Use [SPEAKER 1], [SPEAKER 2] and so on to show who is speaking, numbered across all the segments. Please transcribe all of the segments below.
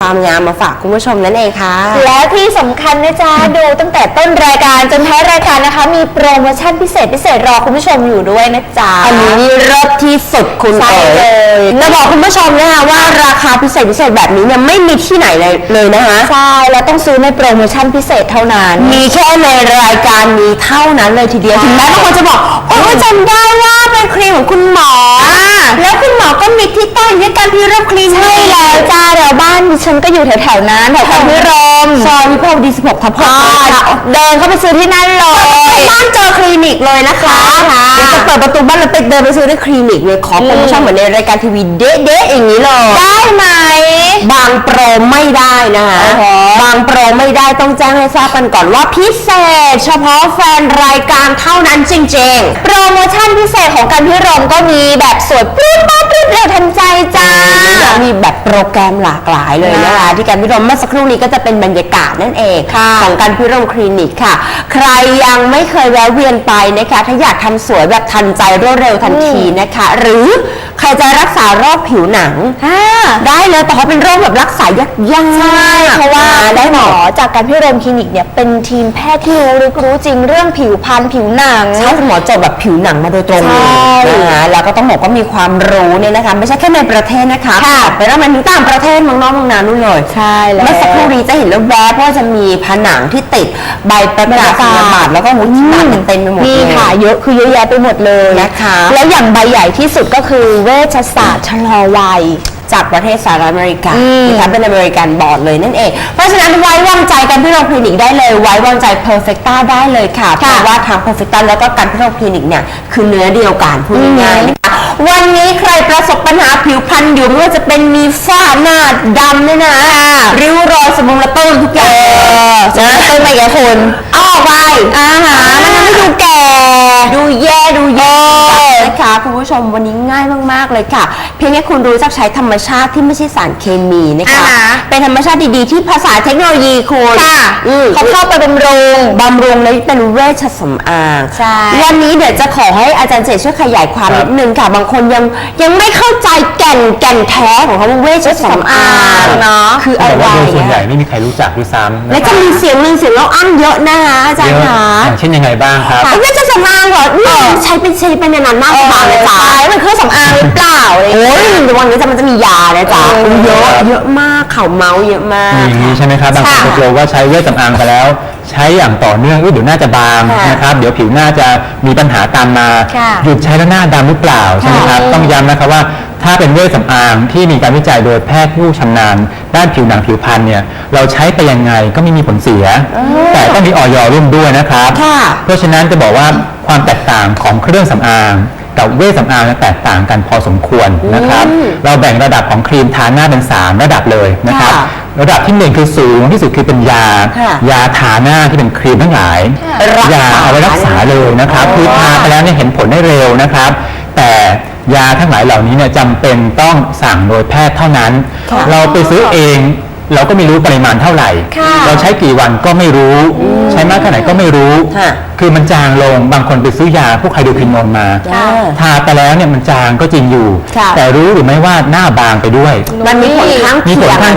[SPEAKER 1] ความงามมาฝากคุณผู้ชมนั่นเองค่ะ
[SPEAKER 2] แล้วที่สำคัญนะจ๊ะดูตั้งแต่ต้นรายการจนท้ายรายการนะคะมีโปรโมชั่นพิเศษรอคุณผู้ชมอยู่ด้วยนะจ๊ะ
[SPEAKER 1] อันนี้นี่เลิศที่สุดคุณเอ๋ยจะบอกคุณผู้ชมนะคะว่าราคาพิเศษแบบนี้เนี่ยไม่มีที่ไหนเลยนะคะ
[SPEAKER 2] ใช่แล้วต้องซื้อในโปรโมชั่นพิเศษเท่านั้น
[SPEAKER 1] มีแค่ในรายการนี้เท่านั้นเลยทีเดียวถึงแม้บางคนจะบอกโอ้จำได้ว่าเป็นครีมของคุณหมอแล้วคุณหมอก็มีที่ตั้งด้วยการพิรมคลินิก
[SPEAKER 2] ใช่แล้วจ้าเดี๋ยวบ้านดิฉันก็อยู่แถวๆนั้นแถวการพิรม
[SPEAKER 1] ซอยวิภาวดี16 ทับ
[SPEAKER 2] 6เดินเข้าไปซื้อที่นั่นเลย
[SPEAKER 1] บ้านเจอคลินิกเลยนะคะเดี๋ยวจะเปิดประตูบ้านแล้วไปเดินไปซื้อในคลินิกเลยขอโปรโมชั่นเหมือนในรายการทีวีเด๊ะๆอย่างนี้เลย
[SPEAKER 2] ได้ไหม
[SPEAKER 1] บางโปรไม่ได้นะคะบางโปรไม่ได้ต้องแจ้งให้ทราบกันก่อนว่าพิเศษเฉพาะแฟนรายการเท่านั้นจริง
[SPEAKER 2] ๆโปรโมชั่นพิเศษของการพิรมก็มีแบบสวยปลื้มมากปลื้มเร็วทันใจจ้า
[SPEAKER 1] มีแบบโปรแกรมหลากหลายเลยนะคะที่การพิรมเมื่อสักครู่นี้ก็จะเป็นบรรยากาศนั่นเองของการพิรมคลินิกค่ะใครยังไม่เคยแวะเวียนไปนะคะถ้าอยากทำสวยแบบทันใจรวดเร็วทันทีนะคะหรือใครจะรักษาโรคผิวหนังได้เลยแต่เขาเป็นโรคแบบรักษายากๆ
[SPEAKER 2] ใช่เพราะว่าได้หมอจากการพิรมคลินิกเนี่ยเป็นทีมแพทย์ที่รู้จริงเรื่องผิวพรรณผิวหนัง
[SPEAKER 1] ใช่คุณหมอจบแบบผิวหนังมาโดยตรงเลยนะคะแล้วก็ต้องบอกว่ามีความรู้เนี่ยนะคะไม่ใช่แค่ในประเทศนะคะไปแล้วมันถึงต่างประเทศเมืองนอกเมืองนานู่นเลย
[SPEAKER 2] ใช่แล้ว
[SPEAKER 1] เมื่อสักครู่นี้จะเห็นแล้วแวบว่าจะมีผนังที่ติดใบประกาศนียบัตรแล้วก็หุ่นหนังเต็มไปหมด
[SPEAKER 2] นี่ค่ะเยอะคือเยอะแยะไปหมดเลย
[SPEAKER 1] นะคะ
[SPEAKER 2] แล้วอย่างใบใหญ่ที่สุดก็คือเวชศาสตร์ชะลอวัย
[SPEAKER 1] จากประเทศสหรัฐอเมริกานะคะเป็นอเมริกันบอร์ดเลยนั่นเองเพราะฉะนั้นไว้วางใจกันที่โรงคลินิกได้เลยไว้วางใจ Perfecta ได้เลยค่ะเพราะว่าทาง Perfecta แล้วก็การที่โรงคลินิกเนี่ยคือเนื้อเดียวกันพูดง่ายๆนะคะวันนี้ใครประสบปัญหาผิวพรรณอยู่ไม่ว่าจะเป็นมีฝ้าหน้าดำเนี่ยนะริ้วรอยสมองระตุ้นทุกอย่าง
[SPEAKER 2] นะต้นไปกับคน
[SPEAKER 1] เอาออกไปมันทำให้ดูแก่ดูแย่นะคะคุณผู้ชมวันนี้ง่ายมากๆเลยค่ะเพียงแค่คุณรู้จักใช้ธรรมชาติที่ไม่ใช่สารเคมีนะคะเป็นธรรมชาติดีๆที่ภาษาเทคโนโลยีคุณ
[SPEAKER 2] เขาเข้าไปบำรุง
[SPEAKER 1] และเป็นเวชสำอาง
[SPEAKER 2] ใช่
[SPEAKER 1] วันนี้เดี๋ยวจะขอให้อาจารย์เจตช่วยขยายความนิดนึงค่ะบางคนยังไม่เข้าใจแก่นแท้ของคำว่าเวชสำอาง
[SPEAKER 2] เนาะ
[SPEAKER 1] คืออะไร
[SPEAKER 3] โดยส่วนใหญ่ไม่มีใครรู้จักด้วยซ้ำ
[SPEAKER 1] และจะมีเสียงเล่าอ้างเยอะนะคะอาจารย์คะ
[SPEAKER 3] อย่างเช่นยังไงบ้างครับ
[SPEAKER 1] เวชสำอางเหรอใช้เป็นนานๆมากกว่าเลยจ้า
[SPEAKER 2] มันเครื่องสำอางหรือเปล่า
[SPEAKER 1] โอ้ยวันนี้มันจะมียานะจ๊ะเยอะมากเขาเมาเยอะมาก
[SPEAKER 3] อย่างนี้ใช่ไหมครับบางคนกลัวว่าใช้เวชสำอางไปแล้วใช้อย่างต่อเนื่องเดี๋ยวหน้าจะบางนะครับเดี๋ยวผิวหน้าจะมีปัญหาตามมาหยุดใช้แล้วหน้าดำหรือเปล่าใช่ไหมครับต้องย้ำนะครับว่าถ้าเป็นเวชสำอางที่มีการวิจัยโดยแพทย์ผู้ชำนาญด้านผิวหนังผิวพรรณเนี่ยเราใช้ไปยังไงก็ไม่มีผลเสียแต่ต้องมีอย.ร่วมด้วยนะครับเพราะฉะนั้นจะบอกว่าความแตกต่างของเครื่องสำอางกับเวชสำอางแตกต่างกันพอสมควรนะครับเราแบ่งระดับของครีมทาหน้าเป็น3ระดับเลยนะครับระดับที่1คือสูงที่สุดคือเป็นยาทาหน้าที่เป็นครีมทั้งหลายยาเอาไว้รักษาเลยนะครับคือทาไปแล้วเนี่ยเห็นผลได้เร็วนะครับแต่ยาทั้งหลายเหล่านี้เนี่ยจำเป็นต้องสั่งโดยแพทย์เท่านั้นเราไปซื้อเองเราก็ไม่รู้ปริมาณเท่าไหร่เราใช้กี่วันก็ไม่รู้ใช้มากแค่ไหนก็ไม่รู้คือมันจางลงบางคนไปซื้อยาพวกไฮโดรควินอนมาทาไปแล้วเนี่ยมันจางก็จริงอยู่แต่รู้หรือไม่ว่าหน้าบางไปด้วย
[SPEAKER 1] มันมีผลข้างเคี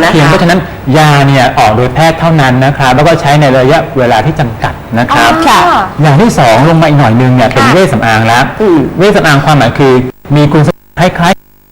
[SPEAKER 3] ยงเพราะฉะนั้นยาเนี่ยออกโดยแพทย์เท่านั้นนะครับแล้วก็ใช้ในระยะเวลาที่จำกัดนะครับอย่างที่2ลงมาอีกหน่อยนึงเนี่ยเป็นเวชสำอางแล้วเวชสำอางความหมายคือมีคุณสมบัติคล้าย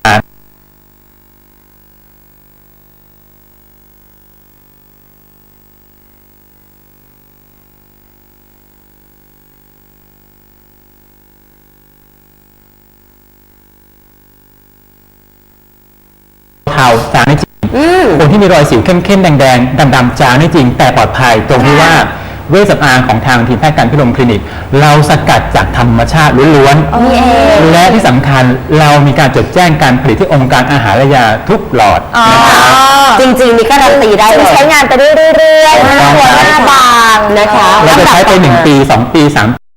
[SPEAKER 3] เทาจางได้จริงคนที่มีรอยสิวเข้มๆแดงๆดำๆจางได้จริงแต่ปลอดภัยตรงที่ว่าเวชสำอางของทางทีมแพทย์การพิรมคลินิกเราสกัดจากธรรมชาติล้วนๆและที่สำคัญเรามีการจดแจ้งการผลิตที่องค์การอาหารและยาทุกหลอดนะครับ
[SPEAKER 1] จริงๆนี่ก็การันตีได้เลย
[SPEAKER 2] ใช้งานไปเรื่อยๆหน้าบาง
[SPEAKER 1] นะคะ
[SPEAKER 3] เราจะใช้ไป1 ปี 2 ปี 3